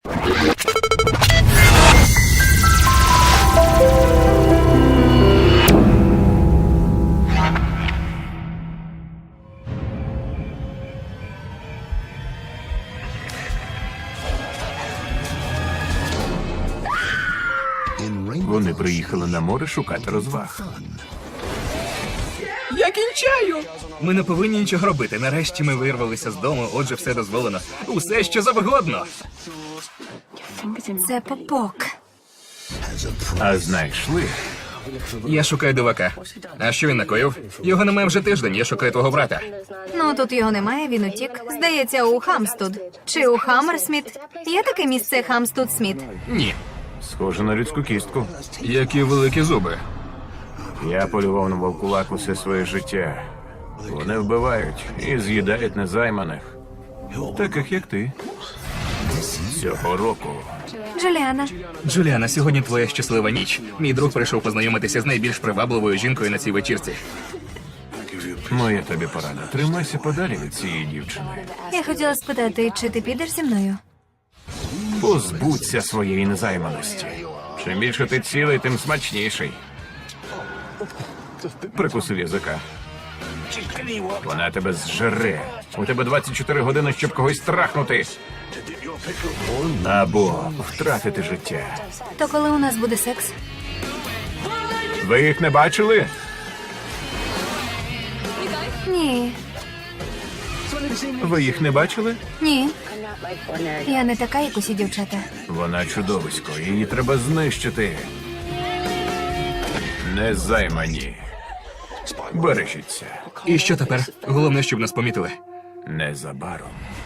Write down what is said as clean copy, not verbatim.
Вони приїхали на море шукати розваг. Я кінчаю! Ми не повинні нічого робити. Нарешті ми вирвалися з дому, отже, все дозволено. Усе, що завгодно. Це Попок. А знайшли? Я шукаю дивака. А що він накоїв? Його немає вже тиждень, я шукаю твого брата. Ну, тут його немає, він утік. Здається, у Хамстуд. Чи у Хаммерсміт? Є таке місце Хамстуд-Сміт? Ні. Схоже на людську кістку. Які великі зуби. Я полював на вовкулак усе своє життя. Вони вбивають і з'їдають незайманих. Таких, як ти. Цього року. Джуліана. Джуліана, сьогодні твоя щаслива ніч. Мій друг прийшов познайомитися з найбільш привабливою жінкою на цій вечірці. Моя тобі порада. Тримайся подалі від цієї дівчини. Я хотіла спитати, чи ти підеш зі мною? Позбудься своєї незайманості. Чим більше ти цілий, тим смачніший. Прикусив язика. Вона тебе зжере. У тебе 24 години, щоб когось трахнути. Або втратити життя. То коли у нас буде секс? Ви їх не бачили? Ні. Ви їх не бачили? Ні. Я не така, як усі дівчата. Вона чудовисько, її треба знищити. Незаймані. Бережіться. І що тепер? Головне, щоб нас помітили. Незабаром.